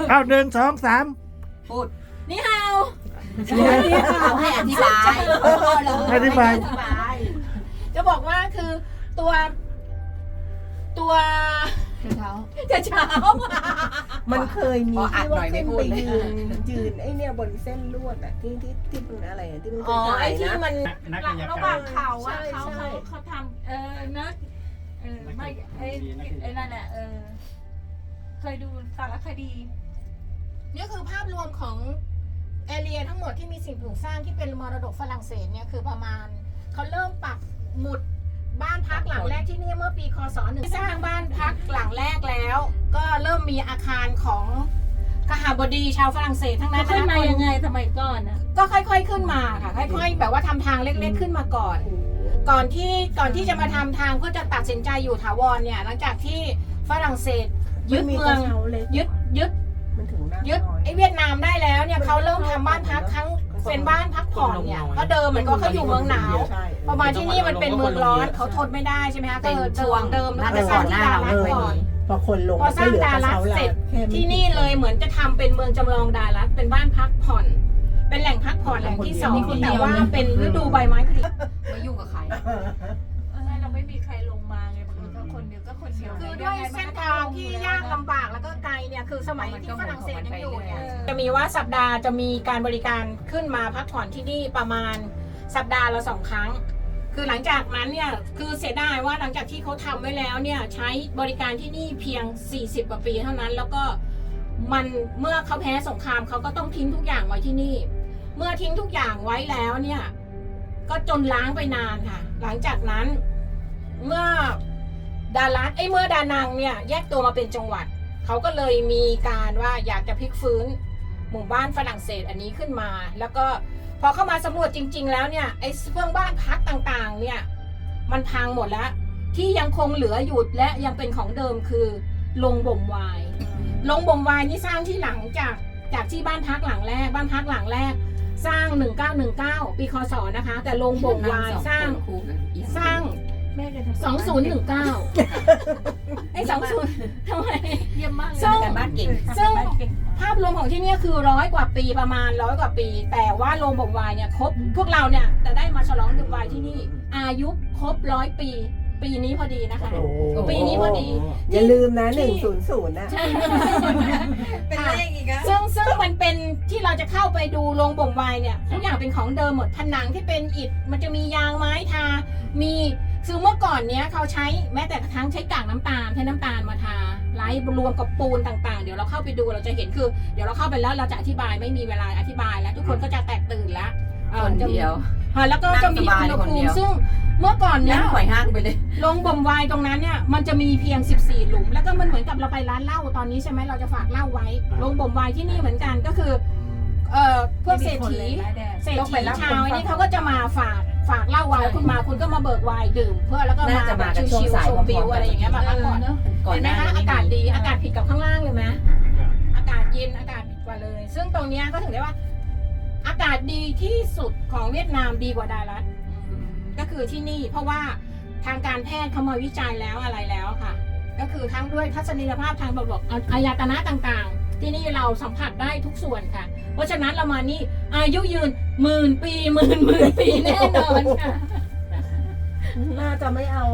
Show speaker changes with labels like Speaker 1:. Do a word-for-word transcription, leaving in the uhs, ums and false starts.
Speaker 1: เอาหนึ่งสองสาม
Speaker 2: พูด
Speaker 3: นี่ฮาว
Speaker 2: เอาให้อธิบาย
Speaker 1: อธิบาย
Speaker 3: จะบอกว่าคือตัว ตัว
Speaker 4: เท้า
Speaker 3: จะเช้า
Speaker 5: มันเคยมี
Speaker 2: พออัด
Speaker 5: ที่
Speaker 2: หน่
Speaker 5: ว่า
Speaker 2: อยไม่
Speaker 5: ขึ้น
Speaker 2: พู
Speaker 5: ไป
Speaker 2: ดเลย
Speaker 5: ยืนยืนไอ้เนี่ยบนเส้นลวดอะที่ที่ที่เป็นอะไรอะที่มัน
Speaker 3: อ๋อ
Speaker 5: ถ่า
Speaker 3: ไอ้
Speaker 5: ย
Speaker 3: ที่
Speaker 5: นะ
Speaker 3: มัน
Speaker 1: นักกายกรรม
Speaker 4: ระหว่างเขาอะ
Speaker 5: ใช่
Speaker 4: เขา
Speaker 5: ใช่
Speaker 4: เขาเขาทำเออนะเออไม่ไอ้ไอ้นั่นแหละเออเคยดูสารคดี
Speaker 3: นี่คือภาพรวมของแอเรียทั้งหมดที่มีสิ่งปลูกสร้างที่เป็นมรดกฝรั่งเศสเนี่ยคือประมาณเขาเริ่มปักหมุดบ้านพักหลังแรกที่นี่เมื่อปีคศหนึ่งสร้างบ้านพักหลังแรกแล้ว ก็เริ่มมีอาคารของขหบดีชาวฝรั่งเศสทั้งนั้น
Speaker 4: ขึ้น
Speaker 3: นะ
Speaker 4: มา
Speaker 3: คน
Speaker 4: ยังไงสมัยก่อนอะ
Speaker 3: ก็ค่อยๆขึ้นมาค่ะค่อยๆแบบว่าทำทางเล็กๆขึ้นมาก่อน ก่อนที่ก่อนที่จะมาทำทางก็จะตัดสินใจอยู่ถาวรเนี่ยหลังจากที่ฝรั่งเศสยึดเมือง
Speaker 5: กระช้าเล็ก
Speaker 3: ยึดยึด
Speaker 5: มันถึงหน้า
Speaker 3: ยึด
Speaker 5: ซอย
Speaker 3: ไอ้เวียดนามได้แล้วเนี่ยเขาเริ่มทำบ้านพักครั้งเป็นบ้านพักผ่อนเนี่ยเพราะเดิมมันก็เขาอยู่เมืองหนาว
Speaker 5: ใช่
Speaker 3: พอมาที่นี่มันเป็นเมืองร้อนเขาทนไม่ได้ใช่ไหมคะก็
Speaker 2: เป็น
Speaker 3: เลย
Speaker 2: ช่วง
Speaker 3: เดิม
Speaker 2: น่า
Speaker 3: แล้ว
Speaker 2: จะ
Speaker 3: ก็ส
Speaker 2: ก่
Speaker 3: ร้า
Speaker 2: อง นห
Speaker 3: ที่
Speaker 2: น้า
Speaker 3: ดา
Speaker 2: เรา
Speaker 3: รั
Speaker 2: ไม่
Speaker 3: ส
Speaker 2: เคย
Speaker 3: ก่อน
Speaker 2: มี
Speaker 5: พอคนลง
Speaker 3: พอสร้างดารัสเสร็จ ที่นี่เลยเหมือนจะทำเป็นเมืองจำลองดารัสเป็นบ้านพักผ่อน เป็นแหล่งพักผ่อนแหล่งที่สองแต่ว่าเป็นฤดูใบไม้ผลิ
Speaker 2: ไม่ยุ่งกับใคร
Speaker 4: เออเราไม่มีใครลงมาไงบางคนก็คนเดียวก็คนเดียว
Speaker 3: คือด้วยเส้นทางที่ยากลำบากแล้วก็ไกลเนี่ยคือสมัยที่ฝรั่งเศสยังอยู่เนี่ยจะมีว่าสัปดาห์จะมีการบริการขึ้นมาพักผ่อนที่นี่ประมาณสัปดาห์ละสองครั้ง คือหลังจากนั้นเนี่ยคือเสียดายว่าหลังจากที่เขาทำไว้แล้วเนี่ยใช้บริการที่นี่เพียงสี่สิบกว่าปีเท่านั้น แล้วก็มันเมื่อเขาแพ้สงครามเขาก็ต้องทิ้งทุกอย่างไว้ที่นี่ เมื่อทิ้งทุกอย่างไว้แล้วเนี่ยก็จนล้างไปนานค่ะ หลังจากนั้นเมื่อดารัสไอ้เมื่อดานังเนี่ยแยกตัวมาเป็นจังหวัดเขาก็เลยมีการว่าอยากจะพลิกฟื้นหมู่บ้านฝรั่งเศสอันนี้ขึ้นมา แล้วก็พอเข้ามาสำรวจจริง ๆ แล้วเนี่ยไอ้เพื่องบ้านพักต่างๆเนี่ยมันพังหมดแล้วที่ยังคงเหลืออยู่และยังเป็นของเดิมคือโรงบ่มไวน์โรงบ่มไวน์นี่สร้างที่หลังจากจากที่บ้านพักหลังแรกบ้านพักหลังแรกสร้างหนึ่งเก้าหนึ่งเก้าปีคศนะคะ แต่โรงบ่มไวน์สร้างสร้าง
Speaker 4: แม่จะทำ
Speaker 3: สองศูนย์หนึ่งเก้าไอ้สองศูนย์ทำไม
Speaker 4: เยี่ยมมากเลย
Speaker 3: ซึ่ง
Speaker 2: การบ้านเก่ง
Speaker 3: ซึ่ง ภาพรวมของที่นี่คือร้อยกว่าปีประมาณร้อยกว่าปี แต่ว่าโรงบ่มไวน์เนี่ยครบพวกเราเนี่ยแต่ได้มาฉลองดื่มไวน์ที่นี่ อายุครบร้อยปี ปีนี้พอดีนะคะ
Speaker 5: โอ้โห
Speaker 3: ปีนี้พอดี
Speaker 5: อย่าลืมนะหนึ่งศูนย์ศูนย์นะ
Speaker 3: ใช่
Speaker 2: เป็นเลขอีกอะ
Speaker 3: ซึ่งซึ่งมันเป็นที่เราจะเข้าไปดูโรงบ่มไวน์เนี่ยทุกอย่างเป็นของเดิมหมดผนังที่เป็นอิฐมันจะมียางไม้ทา มีคือเมื่อก่อนเนี้ยเขาใช้แม้แต่กระทั่งใช้กากน้ำตาลใช้น้ำตาลมาทาไล่รวมกับปูนต่างๆเดี๋ยวเราเข้าไปดูเราจะเห็นคือเดี๋ยวเราเข้าไปแล้วเราจะอธิบายไม่มีเวลาอธิบายแล้ว ทุกคนก็จะแตกตื่นแล้วเอ่อ
Speaker 2: คน
Speaker 3: จะมี
Speaker 2: เดียว
Speaker 3: อ่าแล้วก็จะมี
Speaker 2: นั่งสบาย
Speaker 3: อุณหภู
Speaker 2: คนเดี
Speaker 3: มิ
Speaker 2: ยว
Speaker 3: ซึ่งเมื่อก่อน
Speaker 2: นั่
Speaker 3: เนี้
Speaker 2: ง
Speaker 3: ย
Speaker 2: หอยห้างไปเลย
Speaker 3: โรงบ่มไวน์ตรงนั้นเนี่ยมันจะมีเพียงสิบสี่หลุมแล้วก็มันเหมือนกับเราไปร้านเหล้าตอนนี้ใช่ไหมเราจะฝากเหล้าไว้โรงบ่มไวน์ที่นี่เหมือนกันก็คือเอ่อพวกเศรษฐีเศรษฐีชาวนี่เขาก็จะมาฝากฝากเหล้าไว้คุณมาคุณก็มาเบิกไวน์ดื่ม เพื่อแล้วก็มา
Speaker 2: น่าจะ
Speaker 3: แบ
Speaker 2: มา
Speaker 3: บ
Speaker 2: กันช่วง
Speaker 3: ชิว
Speaker 2: สาย
Speaker 3: ๆชมวิว
Speaker 2: พร้อมๆ
Speaker 3: อะไรอย่างเงี้ยมาพักผ่อน
Speaker 2: ก่อน
Speaker 3: เห็น
Speaker 2: ห
Speaker 3: ไหม
Speaker 2: น้า
Speaker 3: คะ
Speaker 2: นี้
Speaker 3: อากาศ
Speaker 2: ไม่มี
Speaker 3: ดีอากาศผิดกับข้างล่างเลยไหมอากาศเย็นอากาศผิดกว่าเลย ซึ่งตรงเนี้ยก็ถึงได้ว่า อากาศดีที่สุดของเวียดนามดีกว่าดารัสก็คือที่นี่เพราะว่าทางการแพทย์เขามาวิจัยแล้วอะไรแล้วค่ะ ก็คือทั้งด้วยทัศนียภาพทางระบบอายตนะต่างๆ ที่นี่เราสัมผัสได้ทุกส่วนค่ะ เพราะฉะนั้นเรามานี่อายุยืนหมื่นปีหมื่นหมื่นปีแน่นอนค่ะ
Speaker 5: น่าจะไม่เอา